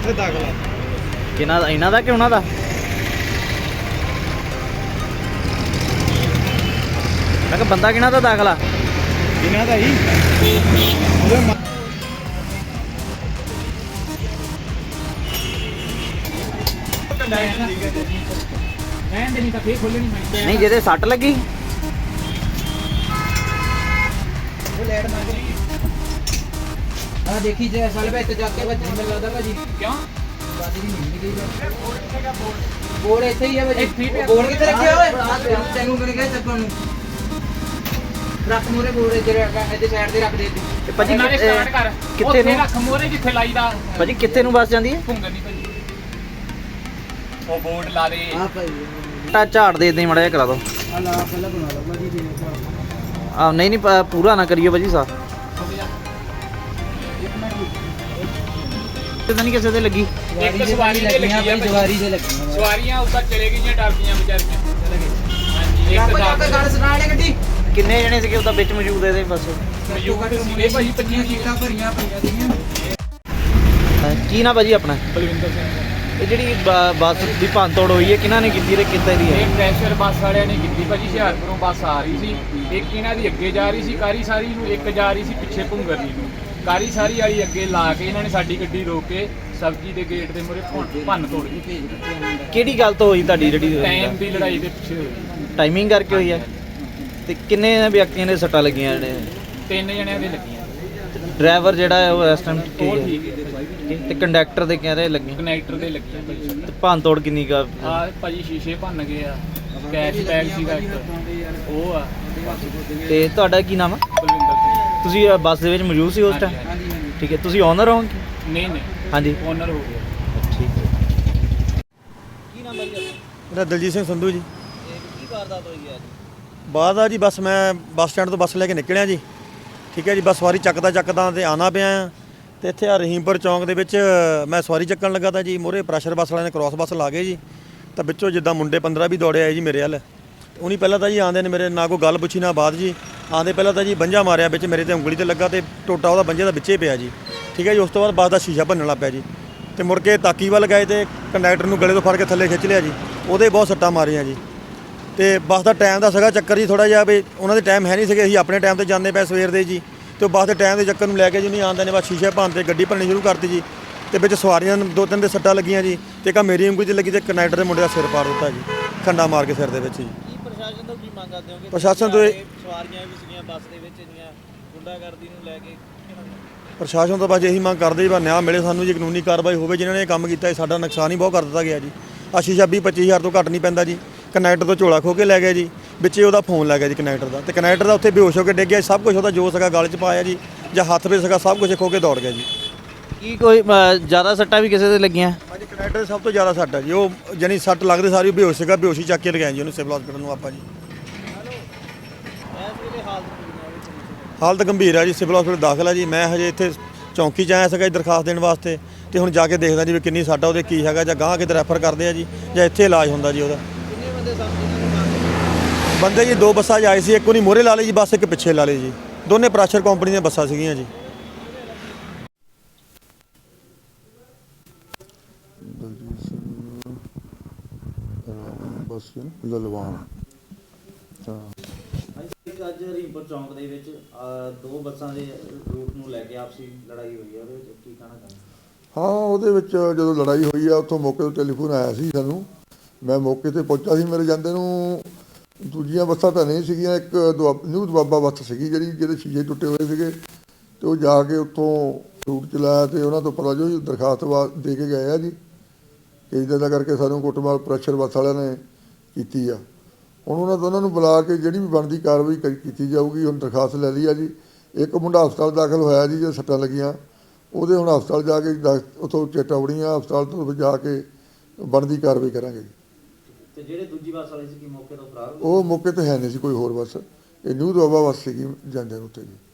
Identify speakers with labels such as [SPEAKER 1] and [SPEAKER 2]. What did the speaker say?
[SPEAKER 1] ਉੱਥੇ ਦਾਖਲ ਆ।
[SPEAKER 2] ਕਿਹਨਾਂ ਦਾ, ਇਹਨਾਂ ਦਾ ਕਿ ਉਹਨਾਂ ਦਾ? ਮੈਂ ਕਿਹਾ ਬੰਦਾ ਕਿਹਨਾਂ ਦਾ ਦਾਖਲ ਆ?
[SPEAKER 1] ਇਹਨਾਂ ਦਾ ਹੀ
[SPEAKER 2] ਨਹੀਂ ਜਿਹਦੇ ਸੱਟ ਲੱਗੀ।
[SPEAKER 3] देखी जाए साल में तो जाके बच्चे मिल रहा था भाजी क्यों बोर्ड ऐसे ही है भाजी बोर्ड कितने रखे हुए तेनू करने गए सब ਨੂੰ ਰੱਖ ਮੋਰੇ ਬੋਰਡ ਇਹਦੇ ਸਾਈਡ ਤੇ ਰੱਖ ਦੇ
[SPEAKER 2] ਤੇ ਭਾਜੀ
[SPEAKER 4] ਨਾਲੇ ਸਟਾਰਟ ਕਰ
[SPEAKER 2] ਕਿੱਥੇ ਨੂੰ
[SPEAKER 4] ਰੱਖ ਮੋਰੇ ਜਿੱਥੇ ਲਾਈਦਾ
[SPEAKER 2] ਭਾਜੀ? ਕਿੱਥੇ ਨੂੰ ਬੱਸ ਜਾਂਦੀ ਹੈ?
[SPEAKER 4] ਭੁੰਗਰ ਨਹੀਂ ਭਾਜੀ ਉਹ ਬੋਰਡ ਲਾ ਦੇ
[SPEAKER 3] ਹਾਂ ਭਾਈ
[SPEAKER 2] ਟਾ ਝਾੜ ਦੇ ਇਦਾਂ ਹੀ ਮੜਾ ਜਿਹਾ ਕਰਾ ਦੋ।
[SPEAKER 3] ਆ ਲਾ ਪਹਿਲਾਂ ਬਣਾ ਲਓ ਭਾਜੀ ਦੇ
[SPEAKER 2] ਆ ਨਹੀਂ ਨਹੀਂ ਪੂਰਾ ਨਾ ਕਰਿਓ ਭਾਜੀ ਸਾਹਿਬ। ਤੇ ਤਾਂ ਨਹੀਂ ਕਿਸੇ ਦੇ ਲੱਗੀ।
[SPEAKER 4] ਇੱਕ ਸਵਾਰੀ ਦੇ ਲੱਗੀ ਆ
[SPEAKER 3] ਦੀਵਾਰੀ ਦੇ ਲੱਗੀ
[SPEAKER 4] ਸਵਾਰੀਆਂ ਉੱਪਰ ਚਲੇ ਗਈਆਂ ਡਰਦੀਆਂ ਵਿਚਾਰੀਆਂ ਹਾਂਜੀ ਇੱਕ
[SPEAKER 3] ਜਾ ਕੇ ਗੱਲ ਸੁਣਾ ਲੈ ਗੱਡੀ
[SPEAKER 2] ਕਿੰਨੇ ਜਣੇ ਸੀਗੇ ਉਹਦਾ ਵਿੱਚ ਮੌਜੂਦ ਇਹਦੇ ਬੱਸ?
[SPEAKER 4] ਮੌਜੂਦ ਸੀਗੇ ਭਾਜੀ 25
[SPEAKER 3] ਸੀਟਾਂ ਭਰੀਆਂ ਪਈਆਂ ਸੀਗੀਆਂ।
[SPEAKER 2] ਕੀ ਨਾ ਭਾਜੀ ਆਪਣਾ?
[SPEAKER 4] ਬਲਵਿੰਦਰ ਸਿੰਘ
[SPEAKER 2] ਇਹ ਜਿਹੜੀ ਬੱਸ ਦੀ ਭੰਨਤੋੜ ਹੋਈ ਹੈ ਕਿਹਨਾਂ ਨੇ ਕੀਤੀ ਤੇ ਕਿੱਦਾਂ ਦੀ ਹੈ?
[SPEAKER 4] ਇਹ ਪ੍ਰੈਸ਼ਰ ਬੱਸ ਵਾਲਿਆਂ ਨੇ ਕੀਤੀ ਭਾਜੀ। ਹੁਸ਼ਿਆਰਪੁਰੋਂ ਬੱਸ ਆ ਰਹੀ ਸੀ, ਇੱਕ ਇਹਨਾਂ ਦੀ ਅੱਗੇ ਜਾ ਰਹੀ ਸੀ ਕਾਰੀ ਸਾਰੀ ਨੂੰ, ਇੱਕ ਜਾ ਰਹੀ ਸੀ ਪਿੱਛੇ ਭੁੰਗਰਨੀ ਨੂੰ। ਕਾਰੀ ਸਾਰੀ ਵਾਲੀ ਅੱਗੇ ਲਾ ਕੇ ਇਹਨਾਂ ਨੇ ਸਾਡੀ ਗੱਡੀ ਰੋਕ ਕੇ ਸਬਜ਼ੀ ਦੇ ਗੇਟ ਦੇ ਮੂਹਰੇ ਭੰਨ ਤੋੜ ਦਿੱਤੀ।
[SPEAKER 2] ਕਿਹੜੀ ਗੱਲ ਤੋਂ ਹੋਈ ਤੁਹਾਡੀ ਜਿਹੜੀ
[SPEAKER 4] ਟਾਈਮ ਦੀ ਲੜਾਈ ਦੇ ਪਿੱਛੇ ਹੋਈ।
[SPEAKER 2] ਟਾਈਮਿੰਗ ਕਰਕੇ ਹੋਈ ਹੈ? ਤੇ ਕਿੰਨੇ ਵਿਅਕਤੀਆਂ ਦੇ ਸੱਟਾਂ ਲੱਗੀਆਂ ਜਿਹੜੇ?
[SPEAKER 4] 3 ਜਣਿਆਂ ਦੇ ਲੱਗੀਆਂ।
[SPEAKER 2] ਡਰਾਈਵਰ ਜਿਹੜਾ ਹੈ ਉਹ ਇਸ ਟਾਈਮ
[SPEAKER 4] ਉਹ
[SPEAKER 2] ਠੀਕ
[SPEAKER 4] ਠੀਕ ਹੈ ਭਾਜੀ।
[SPEAKER 2] ਹੈ ਤੇ ਕੰਡਕਟਰ ਦੇ ਕਹਿ ਰਹੇ ਲੱਗੀ।
[SPEAKER 4] ਕਨੈਕਟਰ ਦੇ ਲੱਗੀਆਂ ਭਾਜੀ।
[SPEAKER 2] ਤੇ ਭੰਨਤੋੜ ਕਿੰਨੀ ਕਾ?
[SPEAKER 4] ਆ ਭਾਜੀ ਸ਼ੀਸ਼ੇ ਭੰਨ ਗਏ ਆ, ਕੈਸ਼ ਬੈਗ ਸੀਗਾ ਇੱਕ ਉਹ ਆ।
[SPEAKER 2] ਤੇ ਤੁਹਾਡਾ ਕੀ ਨਾਮ ਹੈ?
[SPEAKER 4] ਬਲਵਿੰਦਰ ਸਿੰਘ।
[SPEAKER 2] ਤੁਸੀਂ ਬੱਸ ਦੇ ਵਿੱਚ ਮੌਜੂਦ ਸੀ ਉਸ ਟਾਈਮ?
[SPEAKER 4] ਹਾਂਜੀ, ਹਾਂਜੀ।
[SPEAKER 2] ਠੀਕ ਹੈ। ਤੁਸੀਂ ਓਨਰ ਹੋ?
[SPEAKER 4] ਨਹੀਂ ਨਹੀਂ
[SPEAKER 2] ਹਾਂਜੀ
[SPEAKER 4] ਓਨਰ ਹੋ ਗਿਆ।
[SPEAKER 2] ਠੀਕ ਹੈ। ਕੀ ਨਾਮ ਹੈ ਜੀ?
[SPEAKER 1] ਮੇਰਾ ਦਲਜੀਤ ਸਿੰਘ ਸੰਧੂ ਜੀ।
[SPEAKER 2] ਕੀ ਵਾਰਦਾਤ ਹੋਈ ਹੈ ਅੱਜ?
[SPEAKER 1] ਬਾਅਦ ਆ ਜੀ ਬਸ ਮੈਂ ਬੱਸ ਸਟੈਂਡ ਤੋਂ ਬੱਸ ਲੈ ਕੇ ਨਿਕਲਿਆ ਜੀ। ਠੀਕ ਹੈ ਜੀ। ਬਸ ਸਵਾਰੀ ਚੱਕਦਾ ਤੇ ਆਉਣਾ ਪਿਆ ਆ ਤੇ ਇੱਥੇ ਆ ਰਹੀਮਪੁਰ ਚੌਂਕ ਦੇ ਵਿੱਚ ਮੈਂ ਸਵਾਰੀ ਚੱਕਣ ਲੱਗਾ ਤਾਂ ਜੀ ਮੋਰੇ ਪ੍ਰੈਸ਼ਰ ਬੱਸ ਵਾਲਿਆਂ ਨੇ ਕ੍ਰਾਸ ਬੱਸ ਲਾ ਗਏ ਜੀ। ਤਾਂ ਵਿੱਚੋਂ ਜਿੱਦਾਂ ਮੁੰਡੇ 15 ਵੀ ਦੌੜੇ ਆਏ ਜੀ ਮੇਰੇ ਵੱਲ। ਉਹਨੀ ਪਹਿਲਾਂ ਤਾਂ ਜੀ ਆਂਦੇ ਨੇ ਮੇਰੇ ਨਾ ਕੋਈ ਗੱਲ ਪੁੱਛੀ ਨਾ ਬਾਤ ਜੀ। ਆਂਦੇ ਪਹਿਲਾਂ ਤਾਂ ਜੀ ਬੰਜਾ ਮਾਰਿਆ ਵਿੱਚ ਮੇਰੇ ਤੇ ਉਂਗਲੀ ਤੇ ਲੱਗਾ ਤੇ ਟੋਟਾ ਉਹਦਾ ਬੰਜੇ ਦਾ ਵਿੱਚੇ ਪਿਆ ਜੀ। ਠੀਕ ਹੈ ਜੀ। ਉਸ ਤੋਂ ਬਾਅਦ ਬੱਸ ਦਾ ਸ਼ੀਸ਼ਾ ਭੰਨਣ ਲੱਗ ਪਿਆ ਜੀ ਤੇ ਮੁੜ ਕੇ ਤਾਕੀ ਵੱਲ ਗਏ ਤੇ ਕੰਡਕਟਰ ਨੂੰ ਗਲੇ ਤੋਂ ਫੜ ਕੇ ਥੱਲੇ ਖਿੱਚ ਲਿਆ ਜੀ। ਉਹਦੇ ਬਹੁਤ ਸੱਟਾਂ ਮਾਰੀਆਂ ਜੀ। ਤੇ ਬੱਸ ਦਾ ਟਾਈਮ ਦਾ ਸੀਗਾ ਚੱਕਰ ਜੀ ਥੋੜਾ ਜਿਹਾ ਵੀ ਉਹਨਾਂ ਦੇ ਟਾਈਮ ਹੈ ਨਹੀਂ ਸੀਗੇ, ਅਸੀਂ ਆਪਣੇ ਟਾਈਮ ਤੇ ਜਾਂਦੇ ਪਏ ਸਵੇਰ ਦੇ ਜੀ। ਤੇ ਬੱਸ ਦੇ ਟਾਈਮ ਦੇ ਚੱਕਰ ਨੂੰ ਲੈ ਕੇ ਜੀ ਨਹੀਂ ਆਉਂਦੇ ਨੇ ਬਸ ਸ਼ੀਸ਼ੇ ਭੰਨ ਤੇ ਗੱਡੀ ਭੰਨਣੀ ਸ਼ੁਰੂ ਕਰਤੀ ਜੀ। ਤੇ ਵਿੱਚ ਸਵਾਰੀਆਂ ਨੂੰ 2-3 ਦੇ ਸੱਟਾਂ ਲੱਗੀਆਂ ਜੀ ਤੇ ਇੱਕ ਮੇਰੀ ਉਂਗਲੀ 'ਚ ਲੱਗੀ ਤੇ ਕੰਡਕਟਰ ਦੇ ਮੁੰਡੇ ਦਾ ਸਿਰ ਪਾੜ ਦਿੱਤਾ ਜੀ, ਖੰਡਾ ਮਾਰ ਕੇ ਸਿਰ ਦੇ ਵਿੱਚ ਜੀ।
[SPEAKER 2] ਕੀ ਪ੍ਰਸ਼ਾਸਨ ਤੋਂ ਕੀ ਮੰਗ ਕਰਦੇ ਹੋਗੇ?
[SPEAKER 1] ਪ੍ਰਸ਼ਾਸਨ ਤੋਂ
[SPEAKER 2] ਸਵਾਰੀਆਂ ਵੀ ਸੀਗੀਆਂ ਬੱਸ ਦੇ ਵਿੱਚ ਇੰਨੀਆਂ ਗੁੰਡਾਗਰਦੀ ਨੂੰ ਲੈ ਕੇ।
[SPEAKER 1] ਪ੍ਰਸ਼ਾਸਨ ਤੋਂ ਬਸ ਇਹੀ ਮੰਗ ਕਰਦੇ ਜੀ ਬਸ ਨਿਆਂ ਮਿਲੇ ਸਾਨੂੰ ਜੀ, ਕਾਨੂੰਨੀ ਕਾਰਵਾਈ ਹੋਵੇ। ਜਿਨ੍ਹਾਂ ਨੇ ਇਹ ਕੰਮ ਕੀਤਾ ਸਾਡਾ ਨੁਕਸਾਨ ਹੀ ਬਹੁਤ ਕਰ ਦਿੱਤਾ ਗਿਆ ਜੀ। ਆ ਸ਼ੀਸ਼ਾ 20-25 ਹਜ਼ਾਰ ਤੋਂ ਘੱਟ ਨਹੀਂ ਪੈਂਦਾ ਜੀ। ਕੰਡਕਟਰ ਤੋਂ ਝੋਲਾ ਖੋ ਕੇ ਲੈ ਗਿਆ ਜੀ, ਵਿੱਚੇ ਉਹਦਾ ਫੋਨ ਲੈ ਗਿਆ ਜੀ ਕੰਡਕਟਰ ਦਾ। ਤੇ ਕੰਡਕਟਰ ਦਾ ਉੱਥੇ ਬੇਹੋਸ਼ ਹੋ ਕੇ ਡਿੱਗ ਗਿਆ। ਸਭ ਕੁਝ ਉਹਦਾ ਜੋ ਸੀਗਾ ਗਲ 'ਚ ਪਾਇਆ ਜੀ ਜਾਂ ਹੱਥ ਵਿੱਚ ਸੀਗਾ ਸਭ ਕੁਝ ਖੋ ਕੇ ਦੌੜ ਗਿਆ ਜੀ।
[SPEAKER 2] ਕੀ ਕੋਈ ਜ਼ਿਆਦਾ ਸੱਟਾਂ ਵੀ ਕਿਸੇ ਦੇ ਲੱਗੀਆਂ?
[SPEAKER 1] ਹਾਂਜੀ ਕੰਡਕਟਰ ਦੇ ਸਭ ਤੋਂ ਜ਼ਿਆਦਾ ਸੱਟ ਹੈ ਜੀ। ਉਹ ਜਾਨੀ ਸੱਟ ਲੱਗਦੇ ਸਾਰੀ ਬੇਹੋਸ਼ ਸੀਗਾ, ਬੇਹੋਸ਼ੀ ਚੱਕ ਕੇ ਲਗਾਇਆ ਜੀ ਉਹਨੂੰ ਸਿਵਲ ਹਸਪੀਟਲ ਨੂੰ ਆਪਾਂ ਜੀ। ਹਾਲਤ ਗੰਭੀਰ ਹੈ ਜੀ, ਸਿਵਲ ਹਸਪੀਟਲ ਦਾਖਲ ਹੈ ਜੀ। ਮੈਂ ਹਜੇ ਇੱਥੇ ਚੌਂਕੀ 'ਚ ਆਇਆ ਸੀਗਾ ਜੀ ਦਰਖਾਸਤ ਦੇਣ ਵਾਸਤੇ ਤੇ ਹੁਣ ਜਾ ਕੇ ਦੇਖਦਾ ਜੀ ਵੀ ਕਿੰਨੀ ਸੱਟ ਆ ਉਹਦੇ, ਕੀ ਹੈਗਾ ਜਾਂ ਗਾਂਹ ਕਿਤੇ ਰੈਫਰ ਕਰਦੇ ਆ ਜੀ ਜਾਂ ਇੱਥੇ ਇਲਾਜ ਹੁੰਦਾ ਜੀ ਉਹਦਾ।
[SPEAKER 2] ਕਿੰਨੇ ਬੰਦੇ ਸਾਹਮਣੇ?
[SPEAKER 1] ਬੰਦੇ ਜੀ 2 ਬੱਸਾਂ 'ਚ ਆਏ ਸੀ, ਇੱਕ ਉਹਨੀ ਮੋਹਰੇ ਲਾ ਲਈ ਜੀ ਬੱਸ, ਇੱਕ ਪਿੱਛੇ ਲਾ ਲਈ ਜੀ। ਦੋਨੇ ਪ੍ਰੈਸ਼ਰ ਕੰਪਨੀ ਦੀਆਂ ਬੱਸਾਂ ਸੀਗੀਆਂ ਜੀ।
[SPEAKER 5] ਬਸ ਲਲਵਾਨ
[SPEAKER 2] ਅੱਜ ਹਰੀਮਪੁਰ ਚੌਂਕ ਦੇ ਵਿੱਚ 2 ਬੱਸਾਂ ਦੇ ਰੂਟ ਨੂੰ ਲੈ ਕੇ ਆਪਸੀ ਲੜਾਈ ਹੋਈ ਹੈ, ਉਹਦੇ ਵਿੱਚ ਕੀ ਕਹਿਣਾ ਚਾਹੁੰਦੇ?
[SPEAKER 5] ਹਾਂ ਉਹਦੇ ਵਿੱਚ ਜਦੋਂ ਲੜਾਈ ਹੋਈ ਆ ਉੱਥੋਂ ਮੌਕੇ ਤੋਂ ਟੈਲੀਫੋਨ ਆਇਆ ਸੀ ਸਾਨੂੰ। ਮੈਂ ਮੌਕੇ ਤੇ ਪਹੁੰਚਾ ਸੀ। ਮੇਰੇ ਜਾਂਦੇ ਨੂੰ ਦੂਜੀਆਂ ਬੱਸਾਂ ਤਾਂ ਨਹੀਂ ਸੀਗੀਆਂ, ਇੱਕ ਨਿਊ ਦੁਆਬਾ ਬੱਸ ਸੀਗੀ ਜਿਹਦੇ ਸ਼ੀਸ਼ੇ ਟੁੱਟੇ ਹੋਏ ਸੀਗੇ ਤੇ ਉਹ ਜਾ ਕੇ ਉੱਥੋਂ ਰੂਟ ਚਲਾਇਆ ਤੇ ਉਹਨਾਂ ਤੋਂ ਪਤਾ ਜੋ ਦਰਖਾਸਤ ਦੇ ਕੇ ਗਏ ਆ ਜੀ ਕਿ ਇੱਦਾਂ ਦਾ ਕਰਕੇ ਸਾਨੂੰ ਕੁੱਟਮਾਰ ਪ੍ਰੈਸ਼ਰ ਬੱਸ ਵਾਲਿਆਂ ਨੇ ਕੀਤੀ ਆ। ਹੁਣ ਉਹਨਾਂ ਦੋਨਾਂ ਨੂੰ ਬੁਲਾ ਕੇ ਜਿਹੜੀ ਵੀ ਬਣਦੀ ਕਾਰਵਾਈ ਕੀਤੀ ਜਾਊਗੀ। ਹੁਣ ਦਰਖਾਸਤ ਲੈ ਲਈ ਆ ਜੀ। ਇੱਕ ਮੁੰਡਾ ਹਸਪਤਾਲ ਦਾਖਲ ਹੋਇਆ ਜੀ, ਜੇ ਸੱਟਾਂ ਲੱਗੀਆਂ ਉਹਦੇ ਹੁਣ ਹਸਪਤਾਲ ਜਾ ਕੇ ਉੱਥੋਂ ਚੇਤਾਵਨੀਆਂ ਹਸਪਤਾਲ ਤੋਂ ਜਾ ਕੇ ਬਣਦੀ ਕਾਰਵਾਈ ਕਰਾਂਗੇ ਜੀ।
[SPEAKER 2] ਤੇ ਜਿਹੜੇ ਦੂਜੀ ਬੱਸ ਵਾਲੇ ਸੀ ਕੀ ਮੌਕੇ ਤੋਂ ਫਰਾਰ?
[SPEAKER 5] ਉਹ ਮੌਕੇ ਤੇ ਹੈ ਨਹੀਂ ਸੀ ਕੋਈ ਹੋਰ ਬੱਸ, ਇਹ ਨਿਊ ਦੁਆਬਾ ਬੱਸ ਸੀਗੀ ਜਾਂਦੇ ਨੂੰ ਉੱਤੇ ਜੀ।